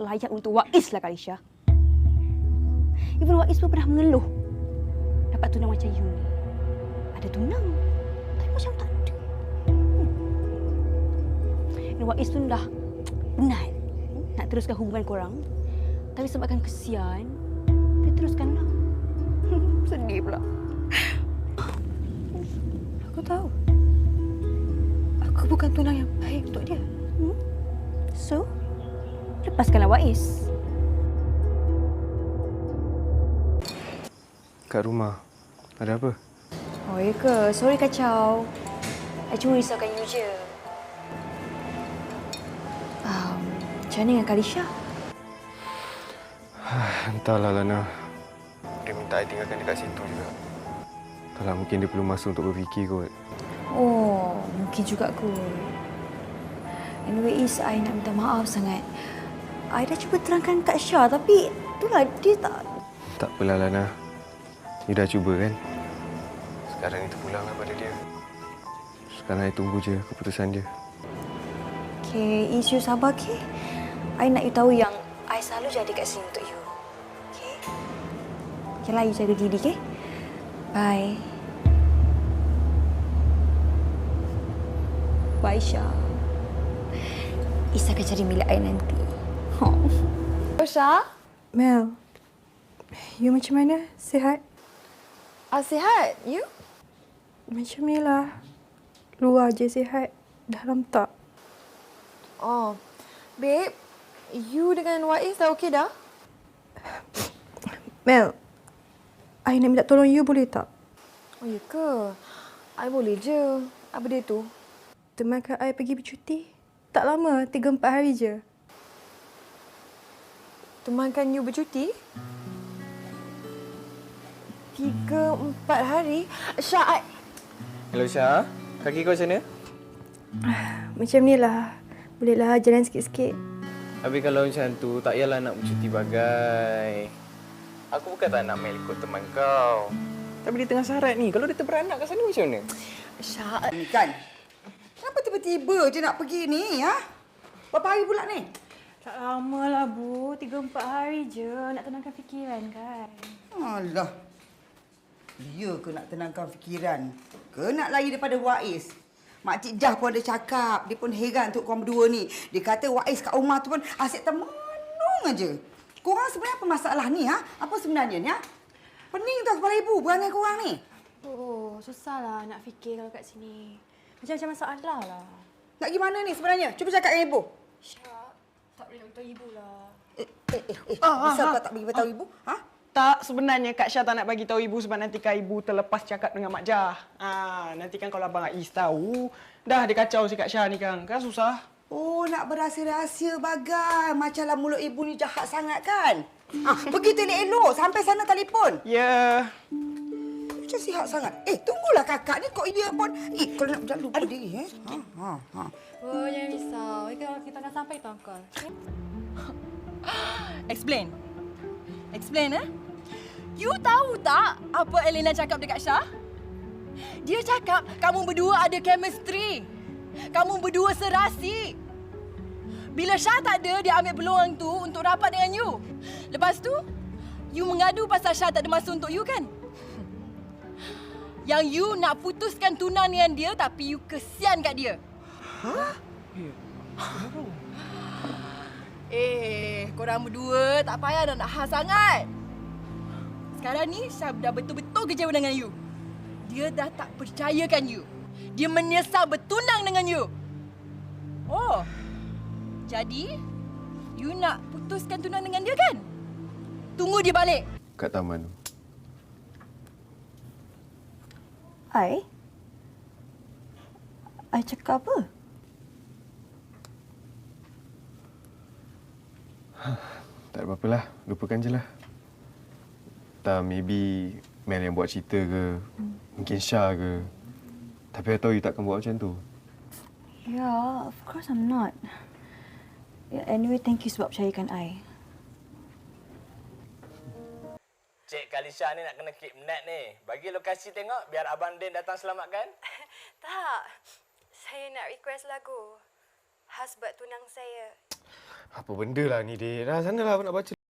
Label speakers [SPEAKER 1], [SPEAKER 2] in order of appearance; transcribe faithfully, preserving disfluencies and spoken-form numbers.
[SPEAKER 1] layak untuk Wais lah, Kalisha. Even Wais pun pernah mengeluh dapat tunang macam you ni. Ada tunang, tapi macam tak ada. Hmm. Dan Wais pun dah penat nak teruskan hubungan korang. Tapi sebabkan kesian, dia teruskanlah. Sedih pula. Aku tahu. Aku bukan tunang yang baik untuk dia. Hmm? So, lepaskanlah Wais.
[SPEAKER 2] Kat rumah, ada apa?
[SPEAKER 1] Oh, ya ke? Sorry kacau. I cuma risaukan you je. Um, macam mana dengan Kalisha?
[SPEAKER 2] Entahlah, Lana. Dia minta I tinggalkan dekat situ juga. Entahlah, mungkin dia perlu masa untuk berfikir kot.
[SPEAKER 1] Oh, mungkin juga kot. Anyway, Is, I nak minta maaf sangat. I dah cuba terangkan kat Syah, tapi itulah dia tak...
[SPEAKER 2] Tak apalah, Lana. You dah cuba kan? Sekarang ni terpulanglah pada dia. Sekarang I tunggu je keputusan dia.
[SPEAKER 1] Okay, Is, you sabar, okay? I nak you tahu yang I selalu jadi kat sini untuk you. Okay? Okeylah, you jaga diri, okay? Bye. Bye, Syah. Is akan cari milik I nanti. Oh.
[SPEAKER 3] Syah?
[SPEAKER 4] Mel, you macam mana? Sihat?
[SPEAKER 3] Ah, sihat. You?
[SPEAKER 4] Macam ni lah. Luar je sihat. Dalam tak.
[SPEAKER 3] Oh. Babe, you dengan Wais dah okey dah?
[SPEAKER 4] Mel, I nak minta tolong you boleh tak?
[SPEAKER 3] Oh, ya ke? I boleh je. Apa dia tu?
[SPEAKER 4] Temankan I pergi bercuti. Tak lama, tiga empat hari je.
[SPEAKER 3] Temankan you bercuti? Tiga, empat hari? Syah, I...
[SPEAKER 2] Hello, Syah. Kaki kau macam mana?
[SPEAKER 4] Macam ni lah. Bolehlah jalan sikit-sikit.
[SPEAKER 2] Habis kalau macam tu, tak payahlah nak bercuti bagai. Aku bukan tak nak Mel ikut teman kau. Tapi dia tengah syarat ni. Kalau dia terberanak kat sana macam mana?
[SPEAKER 3] Syah...
[SPEAKER 5] Ni kan? Kenapa tiba-tiba je nak pergi ni, ha? Berapa hari pula ni?
[SPEAKER 4] Tak lama lah, Bu. Tiga empat hari je. Nak tenangkan fikiran kan?
[SPEAKER 5] Alah. Dia ke nak tenangkan fikiran? Ke nak lari daripada Wais? Makcik Jah pun ada cakap. Dia pun heran untuk korang berdua ni. Dia kata Wais kat rumah tu pun asyik termenung aja. Korang sebenarnya apa masalah ni, ha? Apa sebenarnya ni, ha? Pening tau kepala ibu berangai korang ni.
[SPEAKER 4] Oh, susahlah nak fikir kalau kat sini. Macam-macam masalah lah.
[SPEAKER 5] Nak gimana ni sebenarnya? Cuba cakap dengan ibu.
[SPEAKER 4] Syah, tak boleh nak beritahu ibu lah.
[SPEAKER 5] Eh, eh, eh. eh. Bisa kau tak bagi beritahu ibu? Ha?
[SPEAKER 6] Tak, sebenarnya Kak Syah tak nak bagi tahu ibu sebab nanti kan ibu terlepas cakap dengan Mak Jah. Ah, nanti kan kalau Abang Ais tahu, dah dia kacau si Kak Syah ni kan. Kan susah.
[SPEAKER 5] Oh, nak berahsia-rahsia bagai. Macamlah mulut ibu ni jahat sangat kan? Ah, pergi tu elok-elok. Sampai sana telefon.
[SPEAKER 6] Ya. Yeah.
[SPEAKER 5] Macam sihat sangat. Eh, tunggulah kakak ni. Kok dia pun... Eh, kalau nak jangan lupa Aduh. diri. Eh? Ha, ha, ha.
[SPEAKER 4] Oh, jangan risau. Kalau kita dah sampai tu, Uncle.
[SPEAKER 7] Explain. Explain, eh? You tahu tak apa Elena cakap dekat Syah? Dia cakap kamu berdua ada chemistry. Kamu berdua serasi. Bila Syah tak ada, dia ambil peluang tu untuk rapat dengan you. Lepas tu, you mengadu pasal Syah tak ada masa untuk you kan? Yang you nak putuskan tunang dengan dia tapi you kesian kat dia.
[SPEAKER 5] Ha?
[SPEAKER 7] Eh, korang berdua tak payah dah nak khas sangat. Sekarang ni Syah dah betul-betul kecewa dengan you. Dia dah tak percayakan you. Dia menyesal bertunang dengan you. Oh, jadi you nak putuskan tunang dengan dia kan? Tunggu dia balik.
[SPEAKER 2] Kat taman.
[SPEAKER 1] I? I cakap apa?
[SPEAKER 2] Tak ada apa-apalah. Lupakan je lah. Tak, maybe Mel yang buat cerita ke. Mungkin Syah ke. Tapi I tahu you takkan buat macam tu.
[SPEAKER 1] Yeah, of course I'm not. Yeah, anyway, thank you sebab percayakan I.
[SPEAKER 8] Cik Kalisha ni nak kena kidnap ni. Bagi lokasi tengok biar Abang Din datang selamatkan.
[SPEAKER 9] Tak. Saya nak request lagu. Khas buat tunang saya.
[SPEAKER 2] Apa benda lah ni, Dik? Dah, sanalah abang nak baca.